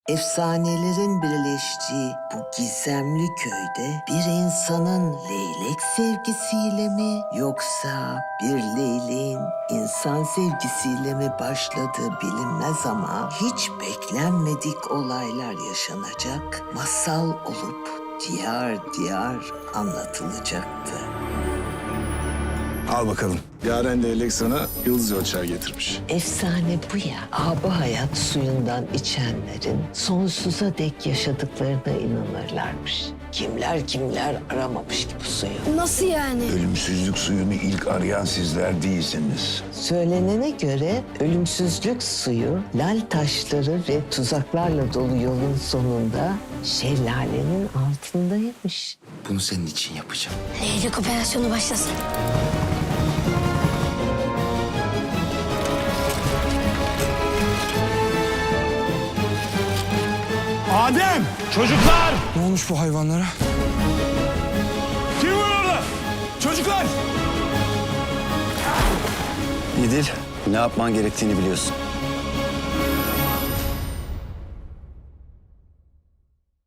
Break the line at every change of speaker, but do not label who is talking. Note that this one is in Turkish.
Efsanelerin birleştiği bu gizemli köyde bir insanın leylek sevgisiyle mi yoksa bir leyleğin insan sevgisiyle mi başladığı bilinmez ama hiç beklenmedik olaylar yaşanacak, masal olup diyar diyar anlatılacaktı.
Al bakalım. Yaren leylek sana yıldız ölçer getirmiş.
Efsane bu ya. Abi hayat suyundan içenlerin sonsuza dek yaşadıklarına inanırlarmış. Kimler kimler aramamış ki bu suyu.
Nasıl yani?
Ölümsüzlük suyunu ilk arayan sizler değilsiniz.
Söylenene göre ölümsüzlük suyu lal taşları ve tuzaklarla dolu yolun sonunda şelalenin altındaymış.
Bunu senin için yapacağım.
Leylek operasyonu başlasın.
Adem!
Çocuklar!
Ne olmuş bu hayvanlara? Kim var orada? Çocuklar!
İdil, ne yapman gerektiğini biliyorsun.